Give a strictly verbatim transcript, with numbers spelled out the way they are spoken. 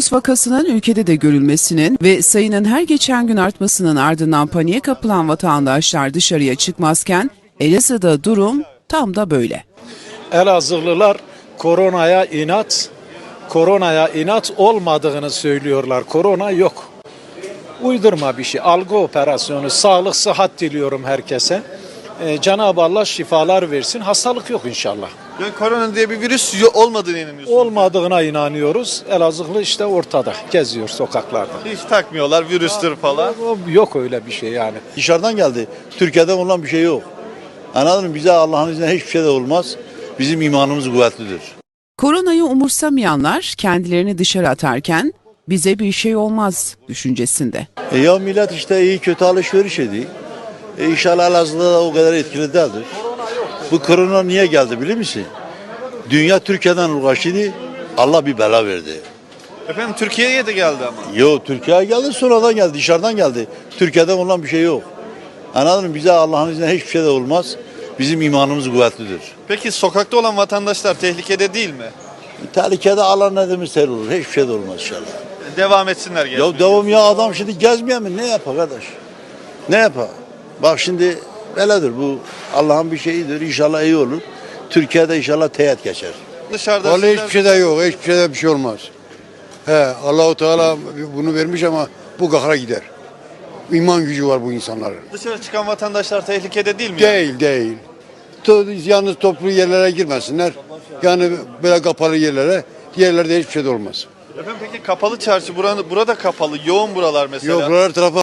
virüs vakasının ülkede de görülmesinin ve sayının her geçen gün artmasının ardından paniğe kapılan vatandaşlar dışarıya çıkmazken Elazığ'da durum tam da böyle. Elazığlılar koronaya inat, koronaya inat olmadığını söylüyorlar. Korona yok. Uydurma bir şey. Algı operasyonu, sağlık, sıhhat diliyorum herkese. Ee, Cenab-ı Allah şifalar versin. Hastalık yok inşallah. Yani korona diye bir virüs yo- olmadığını inanıyorsunuz. Olmadığına inanıyoruz. Elazığlı işte ortada. Geziyor sokaklarda. Hiç takmıyorlar virüstür falan. Yok öyle bir şey yani. Dışarıdan geldi. Türkiye'de olan bir şey yok. Anladın mı? Bize Allah'ın izniyle hiçbir şey de olmaz. Bizim imanımız kuvvetlidir. Koronayı umursamayanlar kendilerini dışarı atarken bize bir şey olmaz düşüncesinde. E ya millet işte iyi kötü alışveriş ediyor. E inşallah Elazığ'da da o kadar etkili değildir. Bu korona niye geldi biliyor musun? Dünya Türkiye'den uğraşıyordu. Allah bir bela verdi. Efendim Türkiye'ye de geldi ama. Yo Türkiye'ye geldi sonradan geldi dışarıdan geldi. Türkiye'de olan bir şey yok. Anladın mı? Bize Allah'ın izniyle hiçbir şey de olmaz. Bizim imanımız kuvvetlidir. Peki sokakta olan vatandaşlar tehlikede değil mi? Tehlikede Allah ne demiş her olur. Hiçbir şey de olmaz inşallah. Devam etsinler gezmeye. Ya devam ya adam şimdi gezmiyor mu? Ne yapar kardeş? Ne yapar? Bak şimdi böyledir bu. Allah'ın bir şeyidir. İnşallah iyi olur. Türkiye'de inşallah teğet geçer. Dışarıda Vallahi sizler- hiçbir şey de yok. Hiçbir şeyde bir şey olmaz. He, Allahu Teala bunu vermiş ama bu kahra gider. İman gücü var bu insanların. dışarı çıkan vatandaşlar tehlikede değil mi? Değil, değil. To- Yalnız toplu yerlere girmesinler. Yani böyle kapalı yerlere, yerlerde hiçbir şey de olmaz. Efendim peki kapalı çarşı buranı, burada kapalı. Yoğun buralar mesela. Yok, buralar tarafa